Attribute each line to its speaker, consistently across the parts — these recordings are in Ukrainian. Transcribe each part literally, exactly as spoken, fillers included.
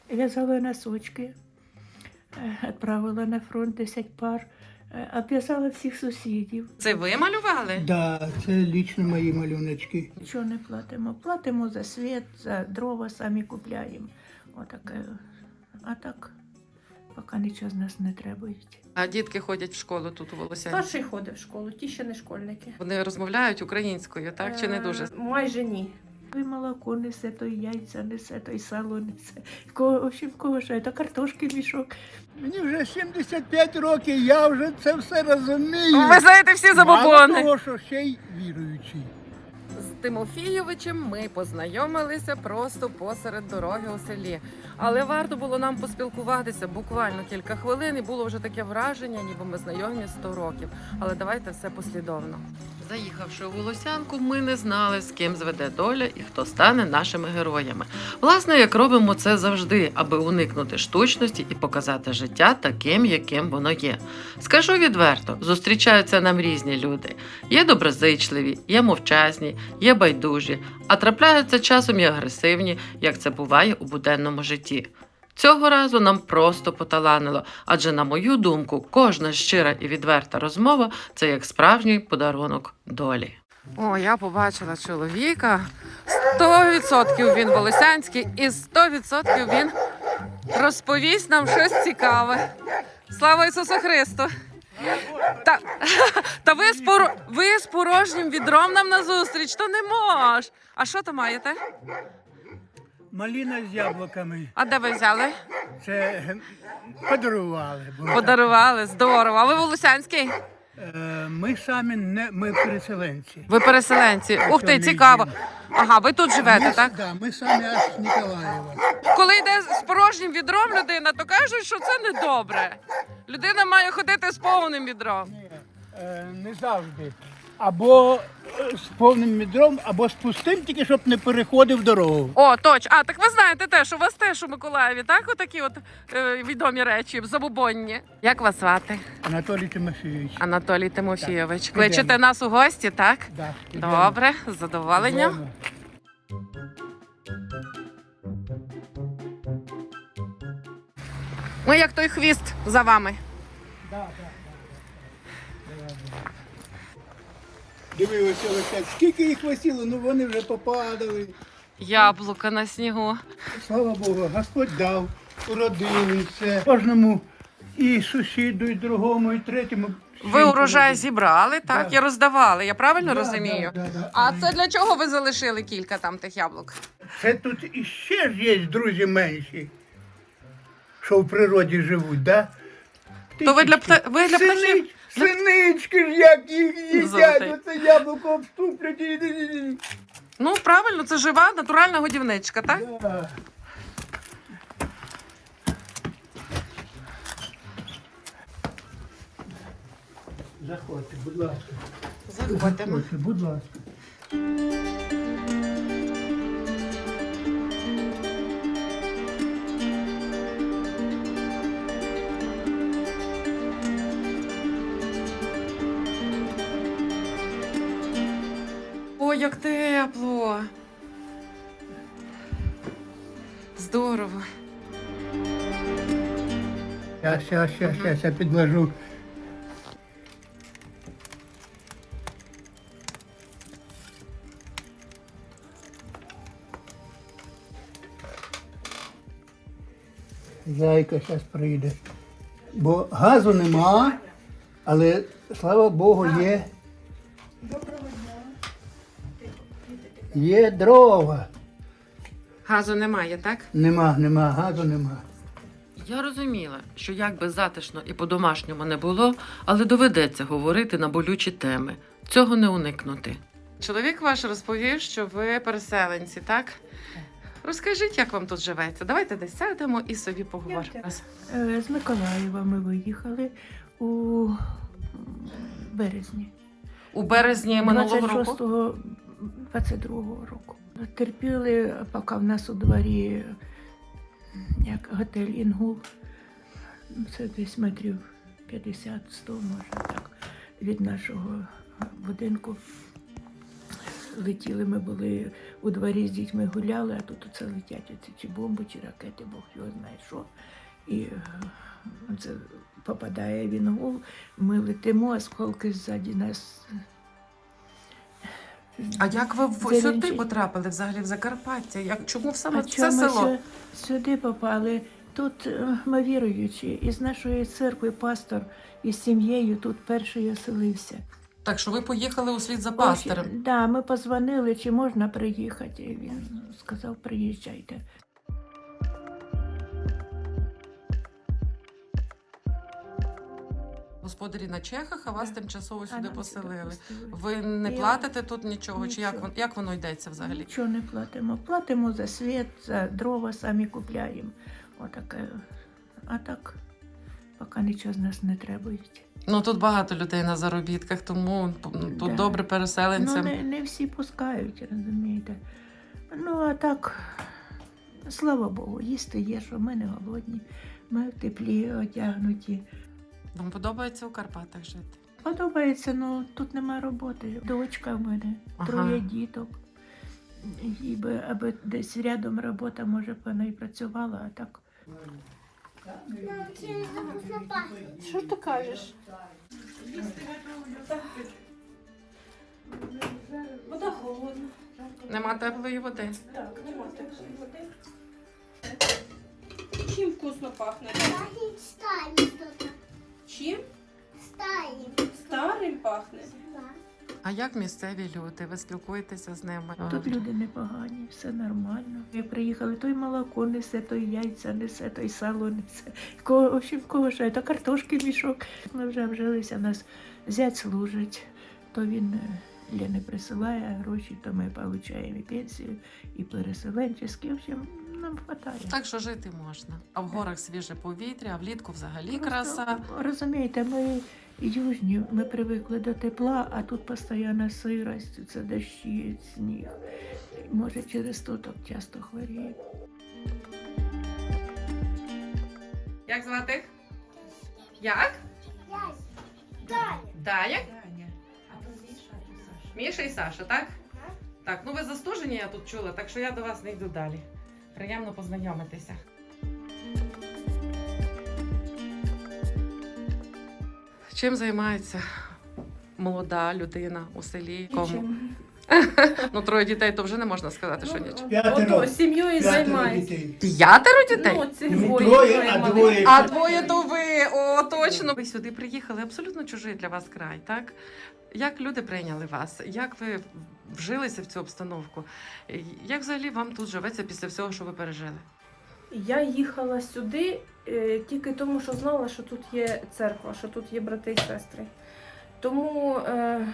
Speaker 1: в'язала носочки, відправила на фронт десять пар, обв'язала всіх сусідів.
Speaker 2: Це ви малювали?
Speaker 3: Да, це лічно мої малюночки.
Speaker 1: Нічого не платимо. Платимо за світ, за дрова самі купляємо. Отаке. А так, поки нічого з нас не требують.
Speaker 2: А дітки ходять в школу тут у Волосянці?
Speaker 4: Старший ходить в школу, ті ще не школьники.
Speaker 2: Вони розмовляють українською, так? Чи не дуже?
Speaker 4: Е, Майже ні.
Speaker 1: Той молоко несе, той яйця несе, той сало несе. Кого, в общем, кого ще, то картошки мішок.
Speaker 3: Мені вже сімдесят п'ять років, я вже це все розумію.
Speaker 2: Ви знаєте всі
Speaker 3: Мало
Speaker 2: забобони.
Speaker 3: того, що ще й віруючий.
Speaker 2: З Тимофійовичем ми познайомилися просто посеред дороги у селі. Але варто було нам поспілкуватися буквально кілька хвилин, і було вже таке враження, ніби ми знайомі сто років. Але давайте все послідовно. Заїхавши у Волосянку, ми не знали, з ким зведе доля і хто стане нашими героями. Власне, як робимо це завжди, аби уникнути штучності і показати життя таким, яким воно є. Скажу відверто, зустрічаються нам різні люди. Є доброзичливі, є мовчазні, є байдужі, а трапляються часом і агресивні, як це буває у буденному житті. Цього разу нам просто поталанило, адже, на мою думку, кожна щира і відверта розмова – це як справжній подарунок долі. О, я побачила чоловіка. сто відсотків він волосянський і сто відсотків він розповість нам щось цікаве. Слава Ісусу Христу! Та, та ви, з поро... ви з порожнім відром нам назустріч, то не мож. А що то маєте?
Speaker 3: Маліна з яблуками.
Speaker 2: А де ви взяли?
Speaker 3: Це е, подарували. бо
Speaker 2: Подарували, здорово. А ви волосянський?
Speaker 3: так. Е, Ми самі не ми переселенці.
Speaker 2: Ви переселенці. Ух ти,
Speaker 3: Що не
Speaker 2: цікаво.
Speaker 3: їм.
Speaker 2: Ага, ви тут живете,
Speaker 3: ми,
Speaker 2: так?
Speaker 3: Да, ми самі аж з Ніколаєва.
Speaker 2: Коли йде з порожнім відром людина, то кажуть, що це недобре. Людина має ходити з повним відром.
Speaker 3: Ні, е, не завжди. Або е, з повним відром, або з пустим, тільки щоб не переходив дорогу.
Speaker 2: О, точно. А, так ви знаєте теж, у вас теж у Миколаєві, так? Отакі от е, відомі речі, забубонні. Як вас звати?
Speaker 3: Анатолій Тимофійович.
Speaker 2: Анатолій Тимофійович.
Speaker 3: Так,
Speaker 2: Кличете
Speaker 3: ідемо.
Speaker 2: нас у гості, так?
Speaker 3: Да, ідемо.
Speaker 2: Добре, з задоволенням.
Speaker 3: Ідемо.
Speaker 2: Ми як той хвіст за вами.
Speaker 3: Да, да, да, да. Дивилися, Олексій, скільки їх висіло, ну вони вже попадали.
Speaker 2: Яблука на снігу.
Speaker 3: Слава Богу, Господь дав, уродили все. Кожному і сусіду, і другому, і третьому.
Speaker 2: Ви урожай зібрали, так?
Speaker 3: Да.
Speaker 2: І роздавали, я правильно
Speaker 3: Да,
Speaker 2: розумію?
Speaker 3: да, да, да.
Speaker 2: А це для чого ви залишили кілька там тих яблук?
Speaker 3: Це тут іще ж є друзі менші, що в природі живуть, да?
Speaker 2: То ви для пта... ви для птахів?
Speaker 3: Сини... Синички ж як їх їдять,
Speaker 2: Золотий.
Speaker 3: оце яблуко обступлять. і-
Speaker 2: Ну, правильно, це жива натуральна годівничка, так?
Speaker 3: Да. Заходьте, будь ласка.
Speaker 2: Заходимо.
Speaker 3: Заходьте, будь ласка.
Speaker 2: Ой, як тепло. Здорово.
Speaker 3: Щас, щас, щас, щас, я підложу. Зайка зараз прийде. Бо газу нема, але, слава Богу, є. Є дрова.
Speaker 2: Газу немає, так?
Speaker 3: Нема, нема, газу нема.
Speaker 2: Я розуміла, що як би затишно і по-домашньому не було, але доведеться говорити на болючі теми. Цього не уникнути. Чоловік ваш розповів, що ви переселенці, так? Розкажіть, як вам тут живеться. Давайте десь сядемо і собі поговоримо.
Speaker 1: Е, З Миколаєва ми виїхали у березні.
Speaker 2: У березні минулого
Speaker 1: двадцять
Speaker 2: року?
Speaker 1: шостого двадцять другого року. Терпіли, поки в нас у дворі як готель «Інгул». Це десь метрів п'ятдесят сто, може так, від нашого будинку. летіли, ми були у дворі з дітьми гуляли, а тут оце летять оці чи бомби, чи ракети, Бог його знає що. І е, це попадає він в гул, ми летимо, осколки ззаді нас.
Speaker 2: А як ви в-
Speaker 1: Зеленчий.
Speaker 2: сюди потрапили взагалі в Закарпаття? Як, чому саме
Speaker 1: А
Speaker 2: в це
Speaker 1: чому ми
Speaker 2: село?
Speaker 1: сю- сюди попали? Тут е, ми віруючі, із нашої церкви пастор із сім'єю тут перший оселився.
Speaker 2: Так що ви поїхали у слід за
Speaker 1: Так,
Speaker 2: пастирем.
Speaker 1: да, ми позвонили, чи можна приїхати. І він сказав, приїжджайте.
Speaker 2: Господарі на Чехах, а вас
Speaker 1: Да.
Speaker 2: тимчасово
Speaker 1: А
Speaker 2: сюди
Speaker 1: нам
Speaker 2: поселили.
Speaker 1: сюди пустили.
Speaker 2: Ви не
Speaker 1: Я-
Speaker 2: платите тут нічого? Чи як,
Speaker 1: Нічого.
Speaker 2: вон- як воно йдеться взагалі?
Speaker 1: Нічого не платимо. Платимо за світ, за дрова самі купляємо. Отаке. А так, поки нічого з нас не требують.
Speaker 2: Ну тут багато людей на заробітках, тому ну, тут
Speaker 1: Да.
Speaker 2: добре
Speaker 1: Ну,
Speaker 2: переселенцям.
Speaker 1: не, не всі пускають, розумієте. Ну, а так, слава Богу, їсти є, що ми не голодні, ми в теплі одягнуті.
Speaker 2: Вам подобається у Карпатах жити?
Speaker 1: Подобається, ну тут нема роботи. Дочка в мене,
Speaker 2: Ага.
Speaker 1: троє діток. І би, аби десь рядом робота, може б вона і працювала, а так.
Speaker 4: Що ти кажеш? Вода холодна.
Speaker 2: Нема теплої води.
Speaker 4: Так, нема теплої води. Чим вкусно пахне?
Speaker 5: Пахнет старым что-то.
Speaker 4: Чим?
Speaker 5: Старым.
Speaker 4: Старим пахне.
Speaker 5: Да.
Speaker 2: А як місцеві люди? Ви спілкуєтеся з ними?
Speaker 1: Тут люди непогані, все нормально. Ми приїхали, той молоко несе, той яйця несе, той сало несе. Кого, в общем, кого ще, то картошки мішок. Ми вже вжилися, нас зять служить, то він е, Лені присилає гроші, то ми отримуємо і пенсію, і переселенчеські. В общем, нам вистачає.
Speaker 2: Так що жити можна. А в горах свіже повітря, а влітку взагалі
Speaker 1: Просто,
Speaker 2: краса.
Speaker 1: Розумієте, ми южні, ми привикли до тепла, а тут постійна сирость, це дощі, сніг. Може, через то так часто хворіє.
Speaker 2: Як звати? Як?
Speaker 5: Таня.
Speaker 2: Дая? Міша і Саша, так? Так, ну ви застужені, я тут чула, так що я до вас не йду далі. Приємно познайомитися. Чим займається молода людина у селі? Кому?
Speaker 4: Чим?
Speaker 2: Ну, троє дітей, то вже не можна сказати, що нічого.
Speaker 3: П'ятеро.
Speaker 4: Ото, сім'єю
Speaker 3: П'ятеро
Speaker 4: займається.
Speaker 3: дітей.
Speaker 2: П'ятеро дітей?
Speaker 4: Ну, це
Speaker 3: Не
Speaker 4: двоє.
Speaker 3: троє, а
Speaker 4: малих.
Speaker 3: двоє.
Speaker 2: А двоє то ви, о, точно. Ви сюди приїхали, абсолютно чужий для вас край, так? Як люди прийняли вас? Як ви вжилися в цю обстановку? Як взагалі вам тут живеться після всього, що ви пережили?
Speaker 4: Я їхала сюди е, тільки тому, що знала, що тут є церква, що тут є брати і сестри. Тому е,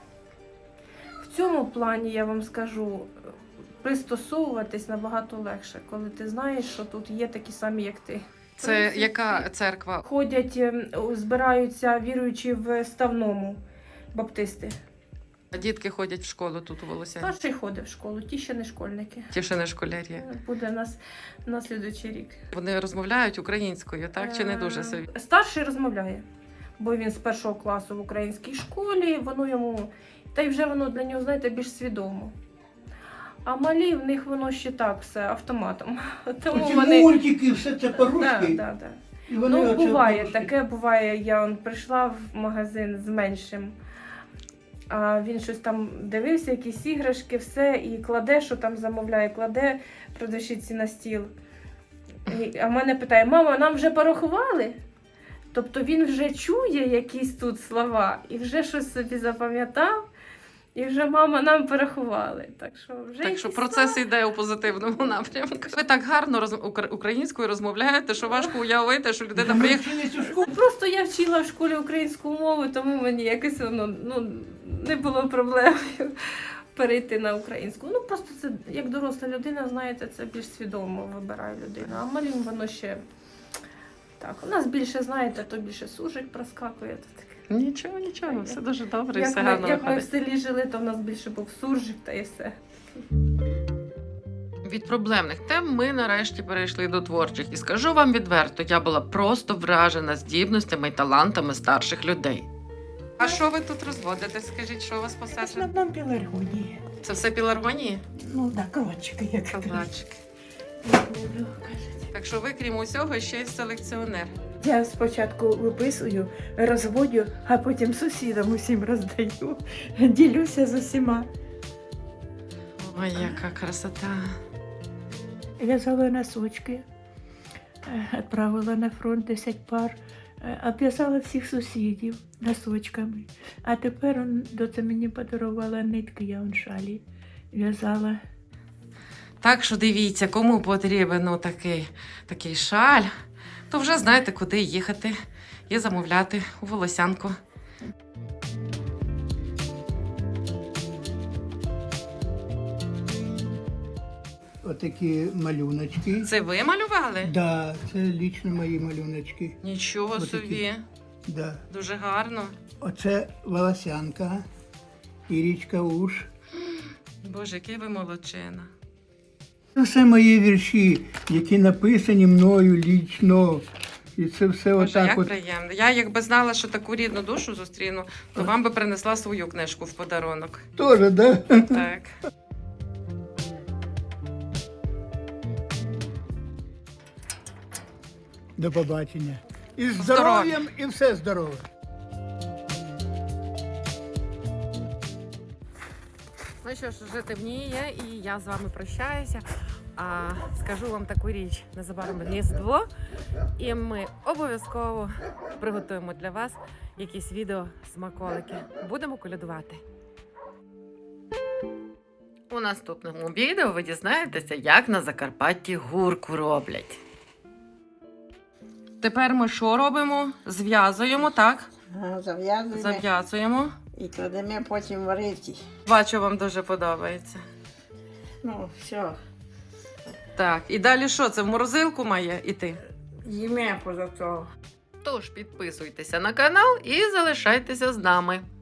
Speaker 4: в цьому плані я вам скажу, пристосовуватись набагато легше, коли ти знаєш, що тут є такі самі, як ти.
Speaker 2: Це
Speaker 4: принципі,
Speaker 2: яка церква?
Speaker 4: Ходять, е, збираються віруючі в Ставному баптисти.
Speaker 2: Дітки ходять в школу тут у Волосяні.
Speaker 4: Старший ходить в школу, ті ще не школьники.
Speaker 2: Ті ще не школярі.
Speaker 4: Буде нас на слідуючий рік.
Speaker 2: Вони розмовляють українською, так? Чи не дуже собі?
Speaker 4: Е, Старший розмовляє, бо він з першого класу в українській школі, воно йому, та й вже воно для нього, знаєте, більш свідомо. А малі в них воно ще так все автоматом. Тому
Speaker 3: Оці
Speaker 4: вони.
Speaker 3: мультики, все це
Speaker 4: Да,
Speaker 3: по-русски.
Speaker 4: да, да.
Speaker 3: І вони
Speaker 4: Ну,
Speaker 3: оце
Speaker 4: буває,
Speaker 3: по-русски.
Speaker 4: таке буває. Я он, прийшла в магазин з меншим, а він щось там дивився, якісь іграшки, все, і кладе, що там замовляє, кладе продавщиці на стіл. І, а мене питає: мама, нам вже порахували? Тобто він вже чує якісь тут слова і вже щось собі запам'ятав, і вже мама нам порахували. Так що вже
Speaker 2: Так що
Speaker 4: якісь
Speaker 2: процес йде у позитивному напрямку. Ви так гарно роз... ukra- українською розмовляєте, що важко уявити, що людина
Speaker 3: Ми
Speaker 2: приїхала.
Speaker 3: вчились у школі.
Speaker 4: Просто я вчила в школі українську мову, тому мені якось воно ну, не було проблемою перейти на українську. Ну просто це як доросла людина, знаєте, це більш свідомо вибирає людина. А малим воно ще так. У нас більше, знаєте, то більше сужик проскакує. То таке.
Speaker 2: Нічого, нічого, все дуже добре і
Speaker 4: Як
Speaker 2: все
Speaker 4: ми,
Speaker 2: гарно
Speaker 4: як ми в
Speaker 2: виходить.
Speaker 4: селі жили, то в нас більше був суржик та і все.
Speaker 2: Від проблемних тем ми нарешті перейшли до творчих. І скажу вам відверто, я була просто вражена здібностями і талантами старших людей. А що ви тут розводите? Скажіть, що у вас
Speaker 1: В
Speaker 2: посаджено?
Speaker 1: основному пеларгонії.
Speaker 2: Це все пеларгонії?
Speaker 1: Ну так, калачики, як
Speaker 2: Калачики.
Speaker 1: кажуть.
Speaker 2: Так що ви, крім усього, ще й селекціонер.
Speaker 1: Я спочатку виписую, розводю, а потім сусідам усім роздаю. Ділюся з усіма.
Speaker 2: Ой, яка красота.
Speaker 1: В'язала носочки, відправила на фронт десять пар, обв'язала всіх сусідів носочками. А тепер он, доця мені подарувала нитки, я он шалі в'язала.
Speaker 2: Так що дивіться, кому потрібен ну, такий, такий шаль, то вже знаєте, куди їхати і замовляти у Волосянку.
Speaker 3: Отакі малюночки.
Speaker 2: Це ви малювали?
Speaker 3: Да, це лічно мої малюночки.
Speaker 2: Нічого
Speaker 3: Отакі.
Speaker 2: собі.
Speaker 3: Да.
Speaker 2: Дуже гарно.
Speaker 3: Оце волосянка, Ірічка Уш.
Speaker 2: Боже, який ви молодчина.
Speaker 3: Це все мої вірші, які написані мною лічно. І це все
Speaker 2: Боже,
Speaker 3: отак
Speaker 2: як
Speaker 3: от.
Speaker 2: приємно. Я якби знала, що таку рідну душу зустріну, то вам би принесла свою книжку в подарунок.
Speaker 3: Тоже, да?
Speaker 2: Так.
Speaker 3: До побачення. І з
Speaker 2: Здоров'я.
Speaker 3: здоров'ям, і все здорове.
Speaker 2: Ну що ж, вже темніє, і я з вами прощаюся. А скажу вам таку річ: незабаром Різдво, і ми обов'язково приготуємо для вас якісь відео смаколики. Будемо колядувати. У наступному відео ви дізнаєтеся, як на Закарпатті гурку роблять. Тепер ми що робимо? Зв'язуємо, так?
Speaker 6: Ага, зав'язуємо
Speaker 2: Зав'язуємо.
Speaker 6: і кладемо потім варити.
Speaker 2: Бачу, вам дуже подобається.
Speaker 6: Ну, все,
Speaker 2: Так, і далі що? Це в морозилку має іти?
Speaker 6: їме поза того.
Speaker 2: Тож підписуйтеся на канал і залишайтеся з нами.